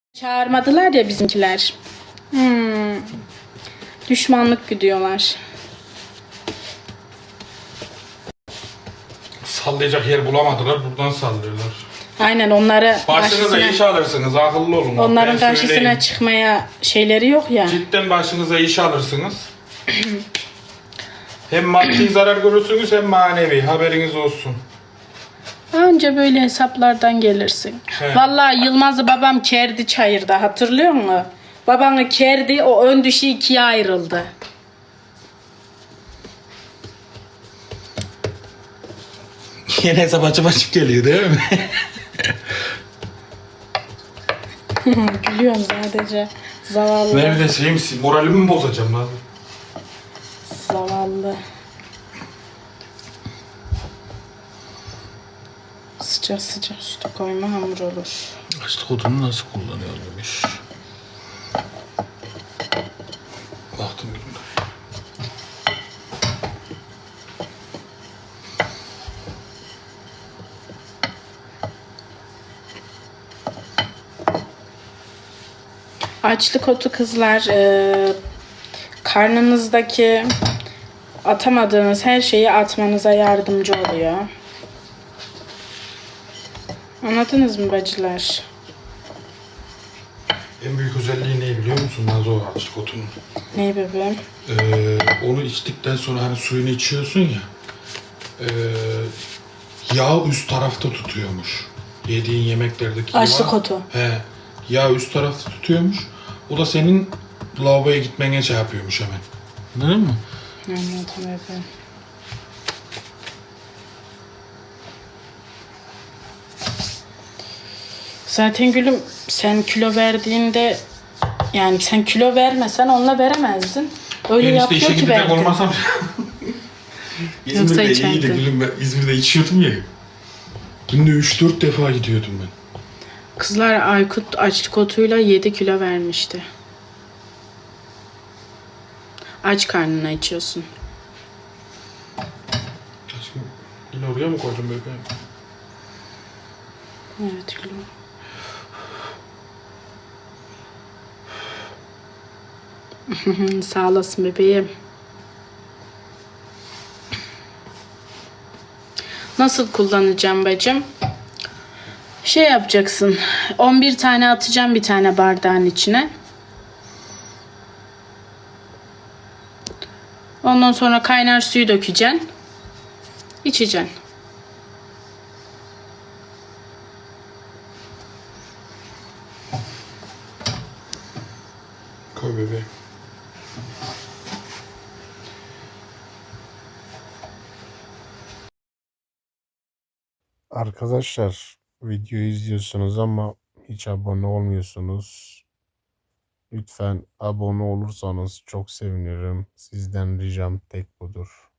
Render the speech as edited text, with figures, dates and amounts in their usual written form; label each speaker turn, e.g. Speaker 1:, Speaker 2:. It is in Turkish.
Speaker 1: Çağırmadılar ya bizimkiler. Düşmanlık güdüyorlar.
Speaker 2: Sallayacak yer bulamadılar, buradan sallıyorlar.
Speaker 1: Aynen onları
Speaker 2: Başınıza iş alırsınız, akıllı olun.
Speaker 1: onların
Speaker 2: Ben
Speaker 1: karşısına
Speaker 2: söyleyeyim.
Speaker 1: çıkmaya şeyleri yok ya.
Speaker 2: Cidden başınıza iş alırsınız. Hem maddi zarar görürsünüz hem manevi, haberiniz olsun.
Speaker 1: Anca böyle hesaplardan gelirsin.
Speaker 2: He.
Speaker 1: Vallahi Yılmaz'ı babam kerdi çayırda, hatırlıyor musun? Babanı kerdi, o ön dişi ikiye ayrıldı.
Speaker 2: Yine hesap açıp geliyor değil mi?
Speaker 1: Gülüyorum sadece. Zavallı.
Speaker 2: Ben bir de şey misin, moralimi mi bozacağım lan?
Speaker 1: Zavallı. Sıcak sıcak sütü koyma hamur olur.
Speaker 2: Açlık odunu nasıl kullanıyormuş? Baktım günde.
Speaker 1: Açlık otu kızlar, karnınızdaki atamadığınız her şeyi atmanıza yardımcı oluyor. Anladınız mı bacılar?
Speaker 2: En büyük özelliği ne biliyor musun Nazo, açlık otunun?
Speaker 1: Ney bebeğim?
Speaker 2: Onu içtikten sonra hani suyunu içiyorsun ya, yağ üst tarafta tutuyormuş. Yediğin yemeklerdeki
Speaker 1: Açlık
Speaker 2: yağ.
Speaker 1: otu.
Speaker 2: He, yağ üst tarafta tutuyormuş. O da senin lavaboya gitmene şey yapıyormuş hemen. Anladın mı?
Speaker 1: Anladım bebeğim. Zaten gülüm sen kilo verdiğinde, yani sen kilo vermesen onunla veremezdin. Öyle
Speaker 2: Ben işte
Speaker 1: yapıyor
Speaker 2: işe
Speaker 1: ki
Speaker 2: gidecek
Speaker 1: belki.
Speaker 2: olmasam...
Speaker 1: Yoksa
Speaker 2: İzmir'de iyiydi
Speaker 1: içerdin.
Speaker 2: gülüm, ben İzmir'de içiyordum ya. Günde 3-4 defa gidiyordum ben.
Speaker 1: Kızlar Aykut açlık otuyla 7 kilo vermişti. Aç karnına içiyorsun.
Speaker 2: Aşkım yine oraya mı koydun bebeğim?
Speaker 1: Evet gülüm. Sağ olasın bebeğim. Nasıl kullanacağım bacım? Şey yapacaksın. 11 tane atacağım bir tane bardağın içine. Ondan sonra kaynar suyu dökeceksin. İçeceksin.
Speaker 2: Koy bebeğim.
Speaker 3: Arkadaşlar videoyu izliyorsunuz ama hiç abone olmuyorsunuz. Lütfen abone olursanız çok sevinirim. Sizden ricam tek budur.